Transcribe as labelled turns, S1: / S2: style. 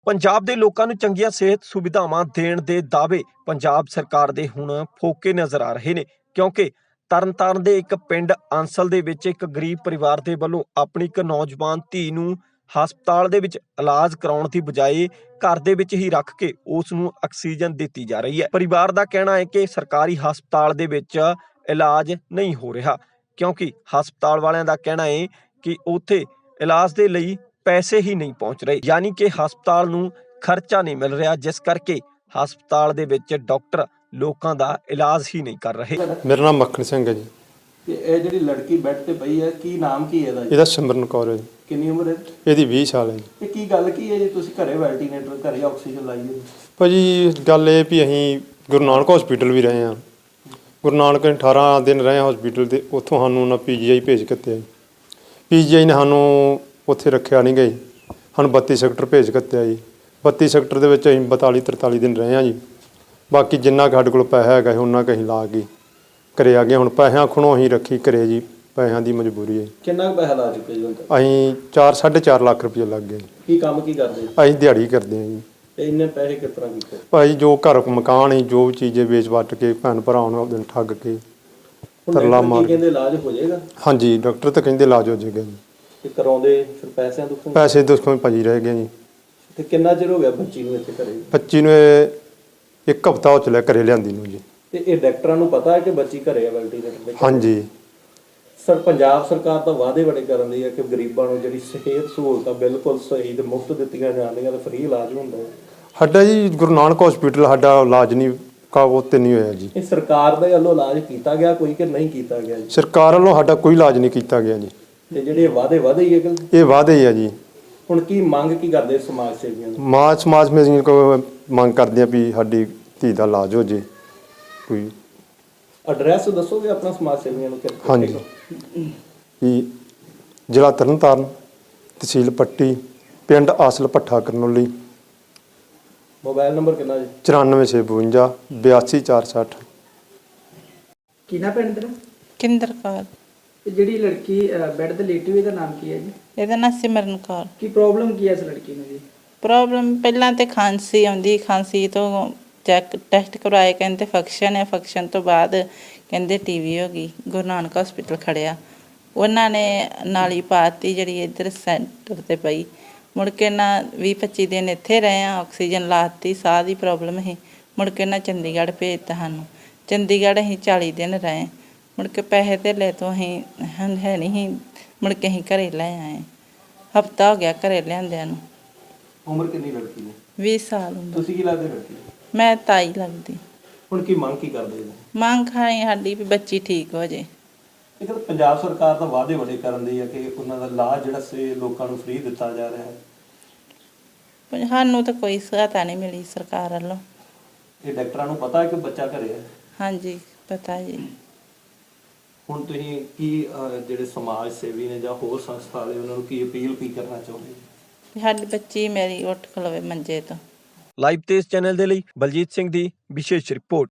S1: ਪੰਜਾਬ ਦੇ ਲੋਕਾਂ ਨੂੰ ਚੰਗੀਆਂ ਸਿਹਤ ਸੁਵਿਧਾਵਾਂ ਦੇਣ ਦੇ ਦਾਅਵੇ ਪੰਜਾਬ ਸਰਕਾਰ ਦੇ ਹੁਣ ਫੋਕੇ ਨਜ਼ਰ ਆ ਰਹੇ ਨੇ, ਕਿਉਂਕਿ ਤਰਨਤਾਰਨ ਦੇ ਇੱਕ ਪਿੰਡ ਆਂਸਲ ਦੇ ਵਿੱਚ ਇੱਕ ਗਰੀਬ ਪਰਿਵਾਰ ਦੇ ਵੱਲੋਂ ਆਪਣੀ ਇੱਕ ਨੌਜਵਾਨ ਧੀ ਨੂੰ ਹਸਪਤਾਲ ਦੇ ਵਿੱਚ ਇਲਾਜ ਕਰਾਉਣ ਦੀ ਬਜਾਏ ਘਰ ਦੇ ਵਿੱਚ ਹੀ ਰੱਖ ਕੇ ਉਸ ਨੂੰ ਆਕਸੀਜਨ ਦਿੱਤੀ ਜਾ ਰਹੀ ਹੈ। ਪਰਿਵਾਰ ਦਾ ਕਹਿਣਾ ਹੈ ਕਿ ਸਰਕਾਰੀ ਹਸਪਤਾਲ ਦੇ ਵਿੱਚ ਇਲਾਜ ਨਹੀਂ ਹੋ ਰਿਹਾ, ਕਿਉਂਕਿ ਹਸਪਤਾਲ ਵਾਲਿਆਂ ਦਾ ਕਹਿਣਾ ਹੈ ਕਿ ਉੱਥੇ ਇਲਾਜ ਦੇ ਲਈ ਪੈਸੇ ਹੀ ਨਹੀਂ ਪਹੁੰਚ ਰਹੇ, ਯਾਨੀ ਕਿ ਹਸਪਤਾਲ ਨੂੰ ਖਰਚਾ ਨਹੀਂ ਮਿਲ ਰਿਹਾ, ਜਿਸ ਕਰਕੇ ਹਸਪਤਾਲ ਦੇ ਵਿੱਚ ਡਾਕਟਰ ਲੋਕਾਂ ਦਾ ਇਲਾਜ ਹੀ ਨਹੀਂ ਕਰ ਰਹੇ।
S2: ਮੇਰਾ ਨਾਮ ਮੱਖਣ ਸਿੰਘ ਹੈ ਜੀ।
S3: ਤੇ ਇਹ ਜਿਹੜੀ ਲੜਕੀ ਬੈੱਡ ਤੇ ਪਈ ਹੈ, ਕੀ ਨਾਮ ਕੀ ਹੈ ਇਹਦਾ ਜੀ?
S2: ਇਹਦਾ ਸਿਮਰਨ ਕੌਰ ਹੈ ਜੀ।
S3: ਕਿੰਨੀ ਉਮਰ ਹੈ
S2: ਇਹਦੀ 20 ਸਾਲ ਹੈ ਜੀ।
S3: ਤੇ ਕੀ ਗੱਲ ਕੀ ਹੈ ਜੀ, ਤੁਸੀਂ ਘਰੇ ਵੈਂਟੀਲੇਟਰ ਘਰੇ ਆਕਸੀਜਨ ਲਾਈ ਹੈ?
S2: ਭਾਜੀ ਗੱਲ ਇਹ ਵੀ ਅਸੀਂ ਗੁਰੂ ਨਾਨਕ ਹਸਪੀਟਲ ਵੀ ਰਹੇ ਹਾਂ। ਗੁਰੂ ਨਾਨਕ 18 ਦਿਨ ਰਹੇ ਹਸਪੀਟਲ ਤੇ ਉੱਥੋਂ ਸਾਨੂੰ ਉਹਨਾਂ PGI ਭੇਜ ਦਿੱਤੇ ਜੀ। PGI ਨੇ ਸਾਨੂੰ ਉੱਥੇ ਰੱਖਿਆ ਨਹੀਂ ਗਈ, ਸਾਨੂੰ 32 ਸੈਕਟਰ ਭੇਜ ਦਿੱਤਾ ਜੀ। 32 ਸੈਕਟਰ ਦੇ ਵਿੱਚ ਅਸੀਂ 42-43 ਦਿਨ ਰਹੇ ਹਾਂ ਜੀ। ਬਾਕੀ ਜਿੰਨਾ ਕੁ ਸਾਡੇ ਕੋਲ ਪੈਸਾ ਹੈਗਾ ਉਹਨਾਂ ਕੁ ਅਸੀਂ ਲਾ ਕੇ ਘਰੇ ਆ ਗਏ। ਹੁਣ ਪੈਸਿਆਂ ਖੁਣੋਂ ਅਸੀਂ ਰੱਖੀ ਘਰੇ ਜੀ, ਪੈਸਿਆਂ ਦੀ ਮਜਬੂਰੀ ਹੈ।
S3: ਕਿੰਨਾ ਕੁ ਪੈਸਾ ਲਾ ਚੁੱਕੇ ਜੀ ਹੁਣ ਤੱਕ?
S2: ਅਸੀਂ 4-4.5 ਲੱਖ ਰੁਪਏ ਲੱਗ ਗਏ।
S3: ਕੀ ਕੰਮ ਕੀ ਕਰਦੇ ਜੀ?
S2: ਅਸੀਂ ਦਿਹਾੜੀ ਕਰਦੇ ਹਾਂ ਜੀ।
S3: ਤੇ ਇੰਨੇ ਪੈਸੇ ਕਿਸ ਤਰ੍ਹਾਂ ਕੀਤੇ?
S2: ਭਾਈ ਜੋ ਘਰ ਮਕਾਨ ਹੀ ਜੋ ਚੀਜ਼ੇ ਵੇਚ ਵੱਟ ਕੇ ਭੈਣ ਭਰਾਵਾਂ ਨੂੰ ਦਿਨ ਠੱਗ ਕੇ ਤਰਲਾ ਮਾਰ।
S3: ਕਹਿੰਦੇ ਇਲਾਜ ਹੋ ਜਾਏਗਾ?
S2: ਹਾਂਜੀ, ਡਾਕਟਰ ਤਾਂ ਕਹਿੰਦੇ ਇਲਾਜ ਹੋ ਜਾਏਗਾ ਜੀ।
S3: ਤੇ ਕਰਾਉਂਦੇ ਫਿਰ ਪੈਸਿਆਂ ਦੁੱਖੋਂ?
S2: ਪੈਸੇ ਦੁੱਖੋਂ ਭਾਜੀ ਰਹਿ ਗਏ ਜੀ।
S3: ਤੇ ਕਿੰਨਾ ਚਿਰ ਹੋ ਗਿਆ ਬੱਚੀ ਨੂੰ ਇੱਥੇ ਘਰੇ?
S2: ਬੱਚੀ ਨੂੰ ਇਹ 1 ਹਫ਼ਤਾ ਹੋ ਚੱਲਿਆ ਘਰੇ ਲਿਆਂਦੀ ਨੂੰ ਜੀ।
S3: ਤੇ ਇਹ ਡਾਕਟਰਾਂ ਨੂੰ ਪਤਾ ਹੈ ਕਿ ਬੱਚੀ ਘਰੇ ਹੈ ਵੈਂਟੀਲੇਟਰ ਤੇ?
S2: ਹਾਂਜੀ
S3: ਸਰ, ਪੰਜਾਬ ਸਰਕਾਰ ਤਾਂ ਵਾਅਦੇ ਬੜੇ ਕਰਨ ਦੀ ਹੈ ਕਿ ਗਰੀਬਾਂ ਨੂੰ ਜਿਹੜੀ ਸਿਹਤ ਸਹੂਲਤਾਂ ਬਿਲਕੁਲ ਸਹੀ ਤੇ ਮੁਫਤ ਦਿੱਤੀਆਂ ਜਾਂਦੀਆਂ ਤੇ ਫ੍ਰੀ ਇਲਾਜ ਹੁੰਦਾ ਹੈ।
S2: ਸਾਡਾ ਜੀ ਗੁਰੂ ਨਾਨਕ ਹਸਪੀਟਲ ਸਾਡਾ ਇਲਾਜ ਨਹੀਂ ਉਹ ਤੇ ਨਹੀਂ ਹੋਇਆ ਜੀ।
S3: ਇਹ ਸਰਕਾਰ ਦੇ ਵੱਲੋਂ ਇਲਾਜ ਕੀਤਾ ਗਿਆ ਕੋਈ ਕਿ ਨਹੀਂ ਕੀਤਾ ਗਿਆ ਜੀ?
S2: ਸਰਕਾਰ ਵੱਲੋਂ ਸਾਡਾ ਕੋਈ ਇਲਾਜ ਨਹੀਂ ਕੀਤਾ ਗਿਆ ਜੀ।
S3: ਤੇ ਜਿਹੜੇ ਵਾਅਦੇ ਹੀ ਹੈ ਕਿ?
S2: ਇਹ ਵਾਅਦੇ ਹੀ ਆ ਜੀ।
S3: ਹੁਣ ਕੀ ਮੰਗ ਕੀ ਕਰਦੇ ਸਮਾਜ ਸੇਵੀਆਂ ਨੂੰ?
S2: ਸਮਾਜ ਮੇਂ ਕੋ ਮੰਗ ਕਰਦੇ ਆ ਵੀ ਸਾਡੀ ਧੀ ਦਾ ਇਲਾਜ ਹੋ ਜੇ ਕੋਈ।
S3: ਐਡਰੈਸ ਦੱਸੋਗੇ ਆਪਣਾ ਸਮਾਜ ਸੇਵੀਆਂ ਨੂੰ?
S2: ਹਾਂਜੀ, ਵੀ ਜ਼ਿਲ੍ਹਾ ਤਰਨਤਾਰਨ, ਤਹਿਸੀਲ ਪੱਟੀ, ਪਿੰਡ ਆਸਲ ਭੱਠਾ ਕਰਨੌਲੀ।
S3: ਮੋਬਾਈਲ ਨੰਬਰ ਕਿੰਨਾ ਜੀ?
S2: 9452 82460।
S4: ਕੀ ਨਾ ਪਿੰਡ ਤੇਰਾ?
S5: ਕਿੰਦਰ ਕੌਰ।
S4: ਤੇ ਜਿਹੜੀ ਲੜਕੀ ਬੈੱਡ ਤੇ ਲੇਟੀ ਹੋਈ ਦਾ ਨਾਮ ਕੀ ਹੈ ਜੀ?
S5: ਇਹਦਾ ਨਾਂ ਸਿਮਰਨ ਕੌਰ।
S4: ਕੀ ਪ੍ਰੋਬਲਮ ਕੀ ਹੈ ਇਸ ਲੜਕੀ ਨੂੰ ਜੀ?
S5: ਪ੍ਰੋਬਲਮ ਪਹਿਲਾਂ ਤੇ ਖਾਂਸੀ ਆਉਂਦੀ, ਖਾਂਸੀ ਤੋਂ ਚੈੱਕ ਟੈਸਟ ਕਰਵਾਏ, ਕਹਿੰਦੇ ਫੰਕਸ਼ਨ ਹੈ। ਫੰਕਸ਼ਨ ਤੋਂ ਬਾਅਦ ਕਹਿੰਦੇ TB ਹੋ ਗਈ। ਗੁਰੂ ਨਾਨਕ ਹਸਪੀਟਲ ਖੜਿਆ, ਉਹਨਾਂ ਨੇ ਨਾਲੀ ਪਾਤੀ ਜਿਹੜੀ ਇੱਧਰ ਸੈਂਟਰ ਤੇ ਪਈ। ਮੁੜ ਕੇ ਨਾ 20-25 ਦਿਨ ਇੱਥੇ ਰਹੇ ਆ, ਆਕਸੀਜਨ ਲਾਤੀ, ਸਾਹ ਦੀ ਪ੍ਰੋਬਲਮ ਸੀ। ਮੁੜ ਕੇ ਨਾ ਚੰਡੀਗੜ੍ਹ ਭੇਜਤਾ ਸਾਨੂੰ। ਚੰਡੀਗੜ੍ਹ ਅਸੀਂ 40 ਦਿਨ ਰਹੇ। ਮੁੜ ਕੇ ਪੈਸੇ ਧੇਲੇ ਤੋਂ ਅਸੀਂ ਹੈ ਨਹੀਂ ਸੀ। ਮੁੜ ਕੇ ਅਸੀਂ ਘਰੇ ਲੈ ਆਏ। ਹਫ਼ਤਾ ਹੋ ਗਿਆ ਘਰੇ ਲਿਆਂਦਿਆਂ ਨੂੰ।
S3: ਉਮਰ ਕਿੰਨੀ ਲੜਕੀ ਦੀ?
S5: 20 ਸਾਲ ਉਮਰ।
S3: ਤੁਸੀਂ ਕੀ ਲੱਗਦੇ ਲੜਕੀ ਨੂੰ?
S5: ਮੈਂ ਤਾਈ ਲੱਗਦੀ।
S3: ਹੁਣ ਕੀ ਮੰਗ ਕੀ ਕਰਦੇ ਜੀ?
S5: ਮੰਗ ਖਾਈ ਸਾਡੀ ਵੀ ਬੱਚੀ ਠੀਕ ਹੋ ਜੇ।
S3: ਇਹ ਤਾਂ ਪੰਜਾਬ ਸਰਕਾਰ ਤਾਂ ਵਾਅਦੇ ਬੜੇ ਕਰਨ ਦੀ ਹੈ ਕਿ ਉਹਨਾਂ ਦਾ ਇਲਾਜ ਜਿਹੜਾ ਸੀ ਲੋਕਾਂ ਨੂੰ ਫ੍ਰੀ ਦਿੱਤਾ ਜਾ ਰਿਹਾ ਹੈ।
S5: ਪਰ ਸਾਨੂੰ ਤਾਂ ਕੋਈ ਸਹਾਇਤਾ ਨਹੀਂ ਮਿਲੀ ਸਰਕਾਰ ਵੱਲੋਂ।
S3: ਇਹ ਡਾਕਟਰਾਂ ਨੂੰ ਪਤਾ ਹੈ ਕਿ ਬੱਚਾ ਘਰੇ ਹੈ?
S5: ਹਾਂਜੀ ਪਤਾ ਜੀ।
S3: ਹੁਣ ਤੁਸੀਂ ਕੀ ਜਿਹੜੇ ਸਮਾਜ ਸੇਵੀ ਨੇ ਜਾਂ ਹੋਰ ਸੰਸਥਾ ਵਾਲੇ ਉਹਨਾਂ ਨੂੰ ਕੀ ਅਪੀਲ ਕੀ ਕਰਨਾ ਚਾਹੁੰਦੇ?
S5: ਸਾਡੀ ਬੱਚੀ ਮੇਰੀ ਉੱਠ ਖਲੋਵੇ ਮੰਜੇ ਤੋਂ।
S1: ਲਾਈਵ ਤੇਜ਼ ਚੈਨਲ ਦੇ ਲਈ ਬਲਜੀਤ ਸਿੰਘ ਦੀ ਵਿਸ਼ੇਸ਼ ਰਿਪੋਰਟ।